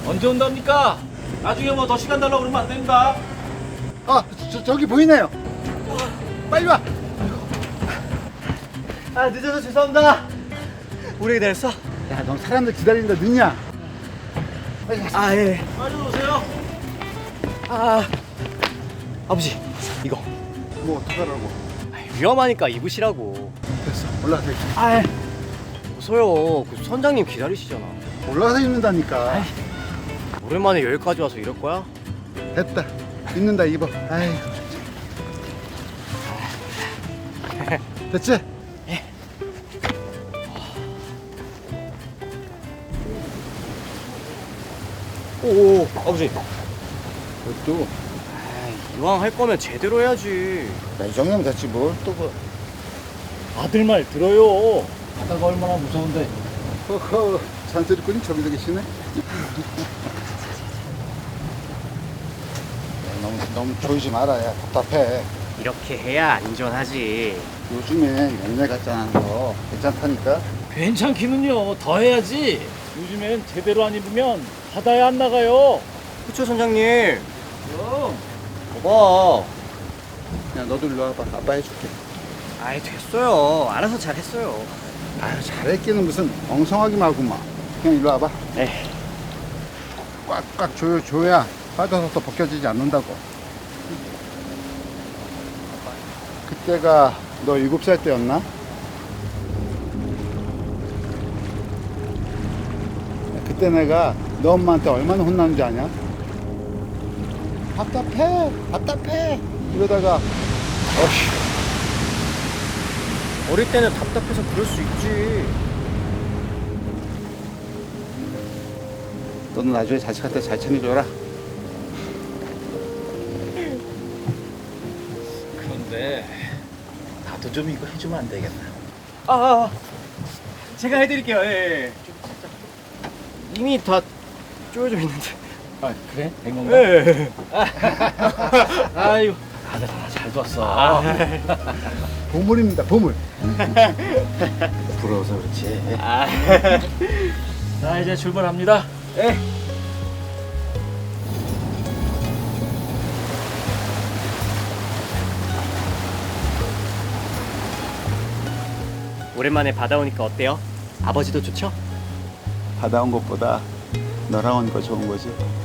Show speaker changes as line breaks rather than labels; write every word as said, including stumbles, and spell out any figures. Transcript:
언제 온답니까? 나중에 뭐 더 시간 달라고 그러면 안 됩니다.
아, 저, 저기 보이네요. 빨리 와.
아, 늦어서 죄송합니다. 오래 기다렸어?
야, 너 사람들 기다린다 늦냐?
아, 예.
빨리 오세요.
아, 아버지, 이거.
뭐 어떡하라고?
위험하니까 입으시라고.
됐어, 올라가서 입자.
아, 웃어요. 그 선장님 기다리시잖아.
올라가서 입는다니까.
오랜만에 여기까지 와서 이럴 거야?
됐다. 입는다 입어. 아이고. 됐지?
오, 아버지.
또.
아, 이왕 할 거면 제대로 해야지.
야, 이 정도면 됐지 뭘 또 뭐.
아들 말 들어요. 바다가 얼마나 무서운데.
허허, 잔소리꾼이 저기서 계시네. 야, 너무 너무 조이지 마라. 야, 답답해.
이렇게 해야 안전하지.
요즘에 옛날 같지 않은 거 괜찮다니까.
괜찮기는요. 더 해야지. 요즘엔 제대로 안 입으면 바다에 안 나가요.
그쵸, 선장님?
그럼.
봐봐.
야, 너도 일로 와봐. 아빠 해줄게.
아이, 됐어요. 알아서 잘했어요.
아유, 잘했기는 무슨 엉성하기만 하구만. 그냥 일로 와봐.
네.
꽉꽉 조여 줘야 빠져서 또 벗겨지지 않는다고. 그때가 너 일곱 살 때였나? 그때 내가 너 엄마한테 얼마나 혼났는지 아냐? 답답해, 답답해. 이러다가 어휴.
어릴 때는 답답해서 그럴 수 있지.
너는 나중에 자식한테 잘 챙겨줘라.
그런데 나도 좀 이거 해주면 안 되겠나?
아, 아, 제가 해드릴게요. 예, 예. 이미 다 쪼여져 있는데.
아 그래? 된 건가?
예.
아유 아들 하나 잘 뒀어.
아,
보물입니다, 보물.
부러워서 그렇지.
아.
자 이제 출발합니다.
예. 오랜만에 바다 오니까 어때요? 아버지도 좋죠?
바다 온 것보다 너랑 오니까 좋은 거지.